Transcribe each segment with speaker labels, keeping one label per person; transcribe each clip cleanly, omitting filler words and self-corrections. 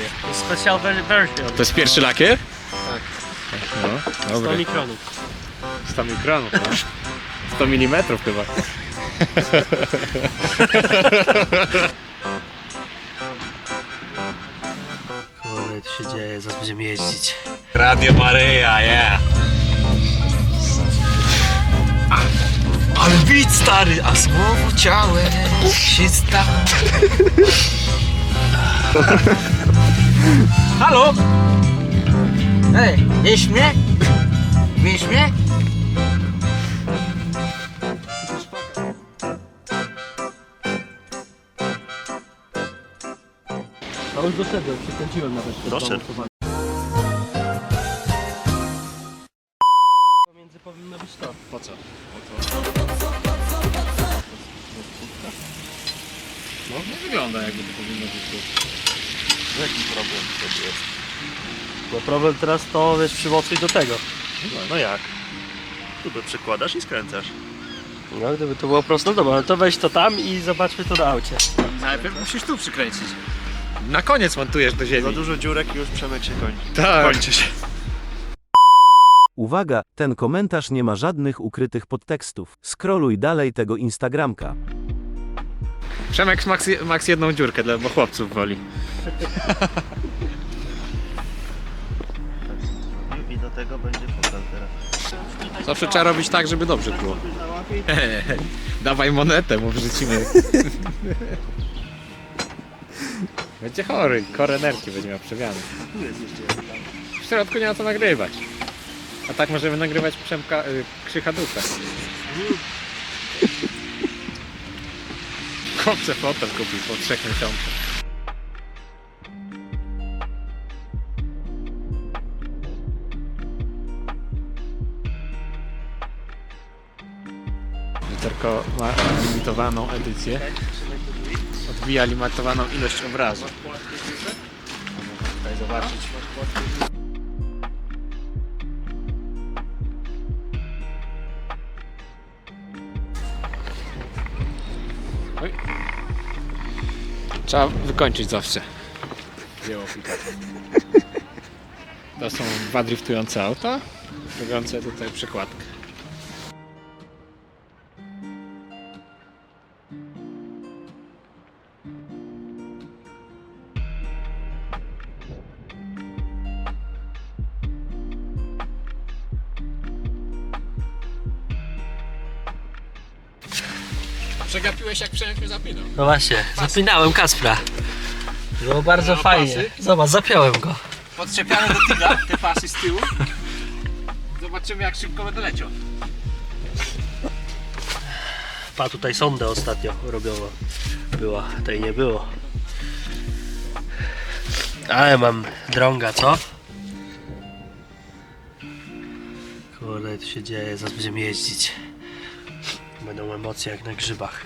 Speaker 1: To jest special version.
Speaker 2: To jest pierwszy lakier?
Speaker 1: Tak.
Speaker 2: No,
Speaker 1: 100
Speaker 2: dobry.
Speaker 1: mikronów.
Speaker 2: 100 mikronów, no. 100 mm chyba.
Speaker 1: Kurde, co się dzieje, zaraz będziemy jeździć.
Speaker 2: Radio Maryja, yeah.
Speaker 1: Ale bit stary, a słowo ciałem się stało. Halo? Ej, wiesz mnie? Wiesz mnie? A już doszedłem, przykręciłem nawet.
Speaker 3: Doszedł.
Speaker 1: Pomiędzy powinno być to.
Speaker 2: Po co? No nie wygląda jakby to powinno być tu.
Speaker 3: Jaki problem wtedy jest?
Speaker 1: No problem teraz to, wiesz, przymocuj do tego.
Speaker 3: No jak? Tu by przykładasz i skręcasz.
Speaker 1: No gdyby to było prosto, no dobra, no to weź to tam i zobaczmy to na aucie.
Speaker 2: Najpierw musisz tu przykręcić. Na koniec montujesz do ziemi.
Speaker 3: Za dużo dziurek i już Przemek się kończy.
Speaker 2: Tak.
Speaker 3: Kończy się.
Speaker 4: Uwaga, ten komentarz nie ma żadnych ukrytych podtekstów. Scrolluj dalej tego Instagramka.
Speaker 2: Przemek max jedną dziurkę, bo chłopców woli.
Speaker 3: I do tego będzie fotel teraz.
Speaker 2: Zawsze trzeba robić tak, żeby dobrze było. Dawaj monetę, mu wrzucimy. Będzie chory, korenerki będzie miał przewiany. W środku nie ma co nagrywać. A tak możemy nagrywać Przemka, Krzycha Ducha. Chłopcze fotel kupił po 3 miesiącach. Lusterko ma limitowaną edycję. Odbija limitowaną ilość obrazu. Można tutaj zobaczyć. Oj. Trzeba wykończyć zawsze dzieło Picasa. To są 2 driftujące auta, robiące tutaj przekładkę. Przegapiłeś jak Przemek mnie zapinał.
Speaker 1: No właśnie, zapinałem Kacpra. Było bardzo
Speaker 2: No,
Speaker 1: fajnie.
Speaker 2: pasy?
Speaker 1: Zobacz, zapiąłem go.
Speaker 2: Podczepiamy do tyga, te pasy z tyłu. Zobaczymy jak szybko będę leciał.
Speaker 1: Pa, tutaj sondę ostatnio robiona była, tej nie było. Ale mam drąga, co? Kurde, co się dzieje, zaraz będziemy jeździć. Będą emocje jak na grzybach.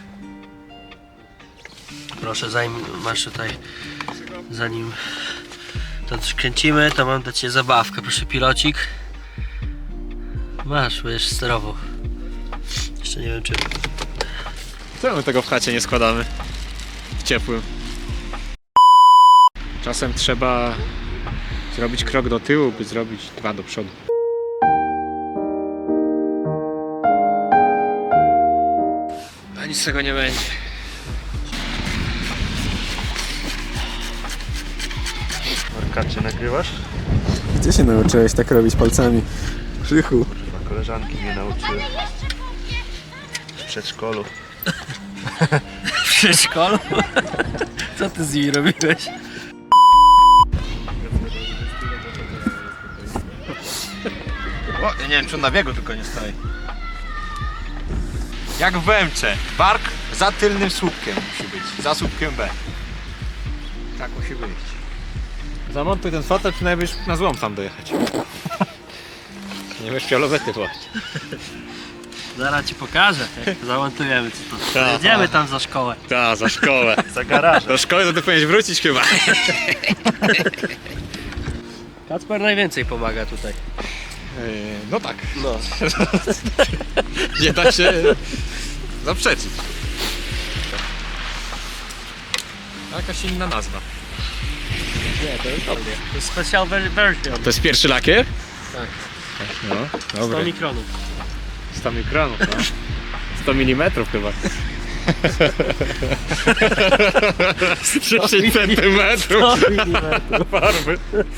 Speaker 1: Proszę, masz tutaj, zanim to kręcimy, to mam dla Ciebie zabawkę. Proszę, pilocik. Masz, będziesz sterował. Jeszcze nie wiem czy...
Speaker 2: Czemu my tego w chacie nie składamy? W ciepłym. Czasem trzeba zrobić krok do tyłu, by zrobić 2 do przodu. A nic z tego nie będzie.
Speaker 3: Markacie nagrywasz?
Speaker 5: Gdzie się nauczyłeś tak robić palcami? Krzychu.
Speaker 3: Chyba koleżanki mnie nauczyły. W przedszkolu.
Speaker 1: W przedszkolu? Co ty z nimi robiłeś?
Speaker 2: O, ja nie wiem czy on na biegu tylko nie stoi. Jak w BMC. Bark za tylnym słupkiem musi być. Za słupkiem B. Tak musi być. Zamontuj ten fotel, przynajmniej na złom tam dojechać. Nie będziesz miał lobety właśnie.
Speaker 1: Zaraz Ci pokażę, jak zamontujemy co to.
Speaker 2: Ta,
Speaker 1: Jedziemy
Speaker 2: ta.
Speaker 1: tam za szkołę.
Speaker 2: Tak, za szkołę.
Speaker 3: Za garażem.
Speaker 2: Do szkoły to ty powinieneś wrócić chyba.
Speaker 1: Kacper najwięcej pomaga tutaj.
Speaker 2: No tak.
Speaker 1: No.
Speaker 2: Nie da się zaprzeczyć. Jakaś inna nazwa.
Speaker 1: Nie, to jest dobry. To jest special version.
Speaker 2: To jest pierwszy lakier?
Speaker 1: Tak.
Speaker 2: No,
Speaker 1: 100
Speaker 2: dobra.
Speaker 1: mikronów.
Speaker 2: 100 mikronów, no. 100 mm chyba. 10 centymetrów farby.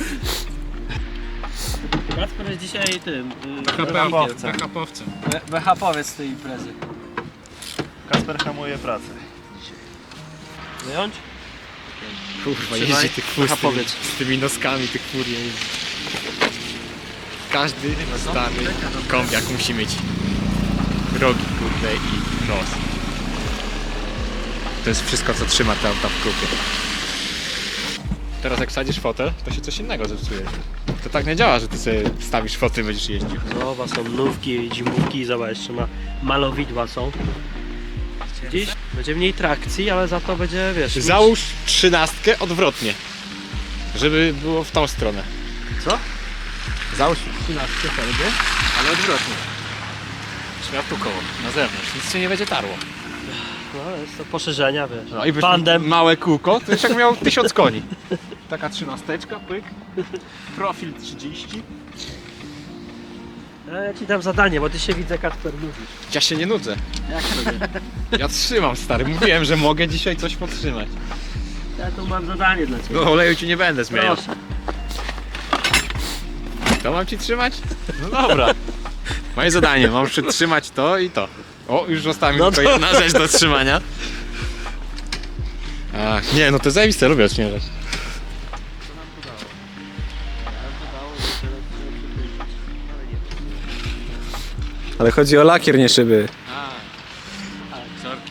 Speaker 1: Kacper jest dzisiaj tym...
Speaker 2: BHP-owcem.
Speaker 1: BHP-owiec z tej imprezy.
Speaker 3: Kasper hamuje pracę.
Speaker 1: Wyjąć?
Speaker 2: Kurwa,
Speaker 1: Trzymaj.
Speaker 2: jeździ tych fur
Speaker 1: BHP-owiec.
Speaker 2: z tymi noskami tych fur jeździ. Każdy stary kombiak musi mieć rogi, kurde, i nos. To jest wszystko, co trzyma te auta w kupie. Teraz jak wsadzisz fotel, to się coś innego zepsuje. To tak nie działa, że ty sobie stawisz fotel i będziesz jeździł.
Speaker 1: Zobacz, są nówki, zimówki, zobacz, jeszcze ma malowidła są. Dziś będzie mniej trakcji, ale za to będzie, wiesz...
Speaker 2: Załóż 13 odwrotnie, żeby było w tą stronę.
Speaker 1: Co?
Speaker 2: Załóż 13 felgę, ale odwrotnie. Śmiał tu koło, na zewnątrz, nic się nie będzie tarło.
Speaker 1: No, jest to poszerzenia, wiesz.
Speaker 2: No i wyszło
Speaker 1: Tandem.
Speaker 2: małe kółko, to już jak miał 1000 koni. Taka 13, pyk. Profil 30.
Speaker 1: Ja ci dam zadanie, bo ty się widzę, Kacper, nudzisz.
Speaker 2: Ja się nie nudzę. Jak to nie? Ja trzymam, stary, mówiłem, że mogę dzisiaj coś podtrzymać.
Speaker 1: Ja tu mam zadanie dla ciebie.
Speaker 2: No oleju ci nie będę zmieniał.
Speaker 1: Proszę.
Speaker 2: To mam ci trzymać? No dobra. Moje zadanie, mam przytrzymać to i to. O, już została mi
Speaker 1: No
Speaker 2: tylko
Speaker 1: to-
Speaker 2: jedna rzecz do trzymania. Ach, nie, no to zajebiste, lubię odśnieżać.
Speaker 5: Ale chodzi o lakier, nie szyby.
Speaker 2: Sorki.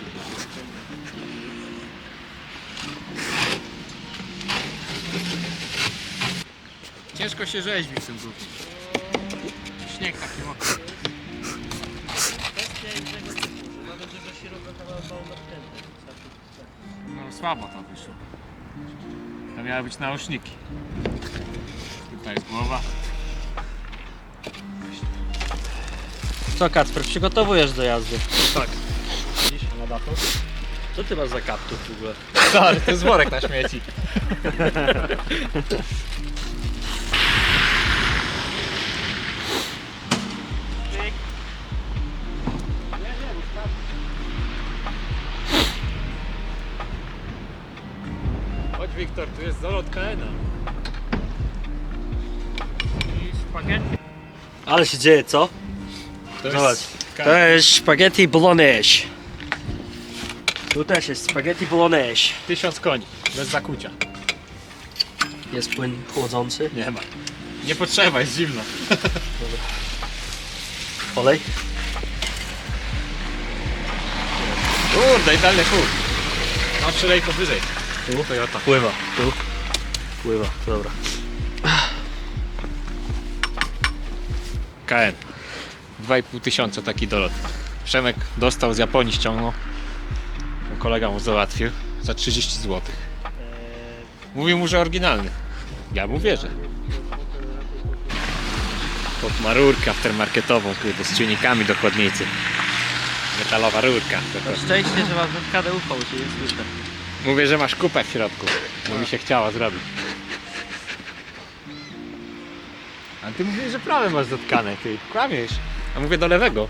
Speaker 2: Ciężko się rzeźbi w tym grupie. Śnieg taki mokry. No słabo to wyszło. To miały być nauszniki. Tutaj jest głowa.
Speaker 1: Co, Kacper, przygotowujesz do jazdy?
Speaker 2: Tak.
Speaker 1: Co ty masz za kaptur w ogóle?
Speaker 2: Stary, to jest worek na śmieci. Chodź Wiktor, tu jest zalot KN-a. I spaghetti.
Speaker 1: Ale się dzieje, co?
Speaker 2: To
Speaker 1: Zobacz. To jest spaghetti bolognese. Tu też jest spaghetti bolognese.
Speaker 2: 1000 koni, bez zakucia.
Speaker 1: Jest płyn chłodzący.
Speaker 2: Nie ma. Nie potrzeba, jest zimno.
Speaker 1: Olej.
Speaker 2: Kurde, idealny chód. Mam przylejko wyżej. Tu Toyota.
Speaker 1: Pływa. Tu. Pływa, dobra.
Speaker 2: KN. 2500 taki dolot. Przemek dostał z Japonii, ściągnął. Kolega mu załatwił za 30 zł. Mówił mu, że oryginalny. Ja mu wierzę. Pod ma rurkę aftermarketową, kurde, z czujnikami do chłodnicy. Metalowa rurka.
Speaker 1: No szczęście, że masz KDU, bo się nie słyszę.
Speaker 2: Mówię, że masz kupę w środku, bo mi się chciała zrobić. A ty mówisz, że prawe masz zatkane, ty kłamiesz. A mówię do lewego.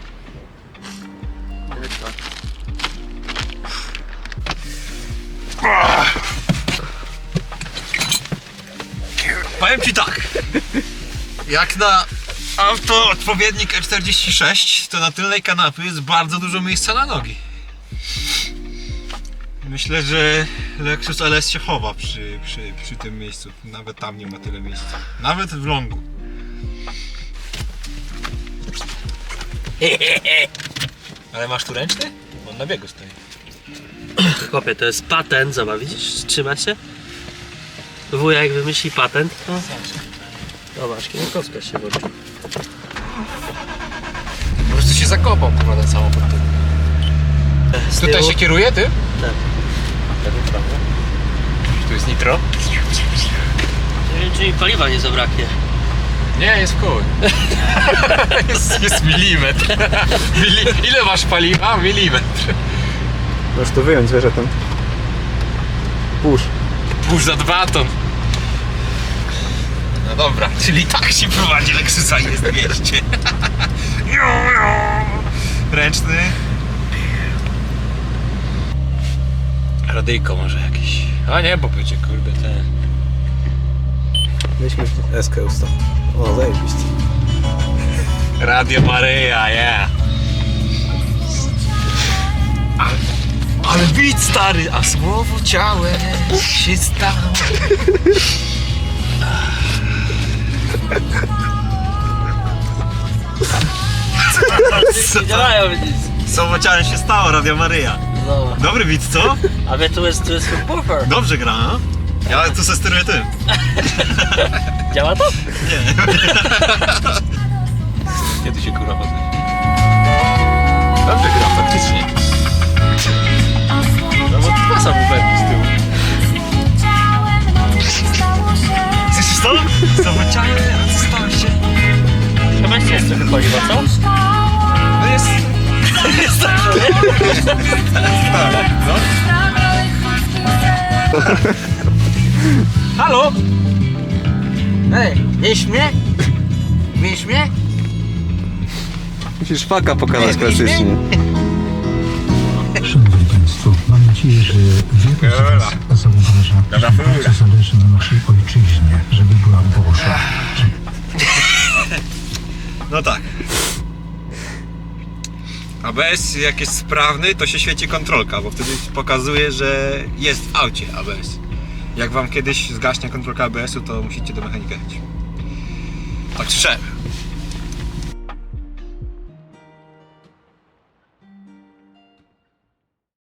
Speaker 6: Powiem ci tak. Jak na auto odpowiednik E46, to na tylnej kanapie jest bardzo dużo miejsca na nogi. Myślę, że Lexus LS się chowa przy tym miejscu. Nawet tam nie ma tyle miejsca. Nawet w longu. Ale masz tu ręczny? On na biegu stoi.
Speaker 1: Chłopie, to jest patent, zobacz, widzisz? Trzyma się. Wujek wymyśli patent, to... Zobacz, kierunkowska się włączy.
Speaker 2: Po prostu się zakopał, kurwa, ten samochód.
Speaker 1: Z
Speaker 2: Tutaj
Speaker 1: tyłu-
Speaker 2: się kieruje, ty?
Speaker 1: Tak.
Speaker 2: Tu jest nitro?
Speaker 1: Nie wiem, czy mi paliwa nie zabraknie.
Speaker 2: Nie, jest w koło. jest milimetr. Ile masz paliwa? Milimetr.
Speaker 5: Możesz to wyjąć, wiesz, ten. Push.
Speaker 2: Pół za 2 ton.
Speaker 6: Czyli tak się prowadzi Lexusa i jest 200. Ręczny. Radyjko może jakieś. A nie, bo będzie kurde ten.
Speaker 5: Weźmy eskę ustaw. O, zajebiście.
Speaker 6: Radio Maryja, yeah. Ale bit stary, a słowo ciałem się stało.
Speaker 1: Nie działają nic.
Speaker 6: Słowo ciałem się stało, Radio Maryja.
Speaker 1: No.
Speaker 6: Dobry bit, co?
Speaker 1: A wie, tu jest subwoofer.
Speaker 6: Dobrze gra, no? Ja tu se steruję tym.
Speaker 1: Działa to?
Speaker 6: Nie. Kiedy się kurwa potem? Dobrze gra, faktycznie.
Speaker 1: No bo dwa subwooferki z tyłu.
Speaker 6: Słyszysz to? Słowo ciałem, a co stało się?
Speaker 1: Chyba jeszcze jest trochę paliwa, co?
Speaker 6: No jest...
Speaker 1: Jest tak, że
Speaker 6: No. Halo?
Speaker 7: Ej, wiesz mnie? Wiesz mnie?
Speaker 5: Musisz faka pokazać klasycznie.
Speaker 8: Szanowni Państwo, mam nadzieję, że wielu z Was zauważa, że bardzo zależy na naszej ojczyźnie, żeby była Boża.
Speaker 6: No tak. ABS jak jest sprawny, to się świeci kontrolka, bo wtedy pokazuje, że jest w aucie ABS. Jak wam kiedyś zgaśnie kontrolka ABS-u, to musicie do mechanika jechać. Tak słyszałem.